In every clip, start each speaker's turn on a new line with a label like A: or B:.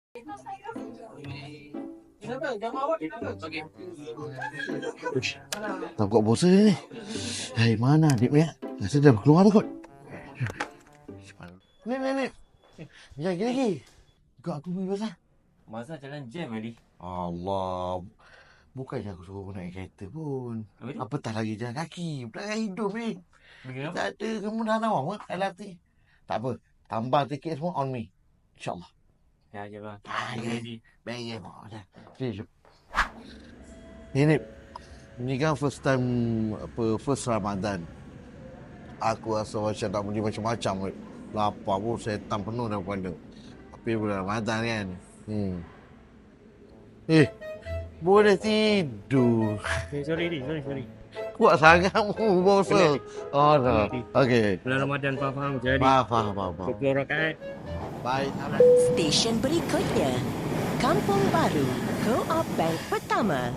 A: Uish, tak kuat bosan ni. Hai, mana adik ni? Rasa dah keluar dah kot. Ni. Jangan lagi. Kau aku pergi pasal.
B: Masa jalan jam tadi.
A: Allah. Bukannya aku suruh naik kereta pun. Apatah lagi jalan kaki. Pelanggan hidup ni. Tak ada kemudahan awak LRT. Tak apa. Tambah tiket semua on me. InsyaAllah.
B: Ya, je bang.
A: Baik. Jom. Ini kan first time first Ramadan. Aku rasa macam tak boleh macam-macam. Lapar pun setan penuh dah pada. Tapi bulan Ramadan kan. Boleh tidur.
B: Sorry.
A: Kuat sangatmu bosa. Oh no. Okey.
B: Bulan Ramadan faham jadi.
A: Faham.
B: 20 rakaat.
A: Baik.
C: Stesen berikutnya, Kampung Baru, Co-op Bank Pertama.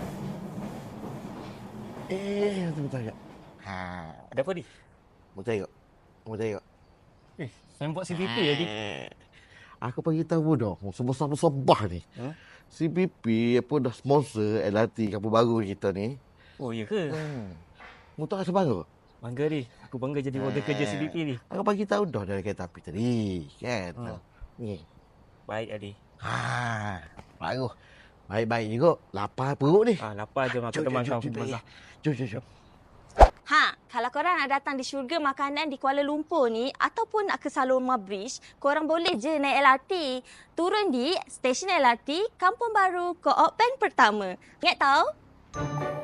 A: Betul tak?
B: Ada apa ni?
A: Mau tengok.
B: Saya buat CVP tadi.
A: Aku bagi tahu dah, sebab ni. CPP apa dah sponsor LRT Kampung Baru kita ni.
B: Oh, ya ke?
A: Mu tak rasa bangga?
B: Bangga ni. Aku bangga jadi warga kerja CVP ni.
A: Aku bagi tahu dah dari kereta api tadi, kan? Ni.
B: Baik, Adi.
A: Bagus. Baik juga. Lapar perut ni.
B: Lapar je aku teman kau.
A: Jom.
D: Kalau korang nak datang di syurga makanan di Kuala Lumpur ni ataupun nak ke Saloma Bridge, korang boleh je naik LRT. Turun di stesen LRT Kampung Baru Co-op Bank Pertama. Ingat tahu?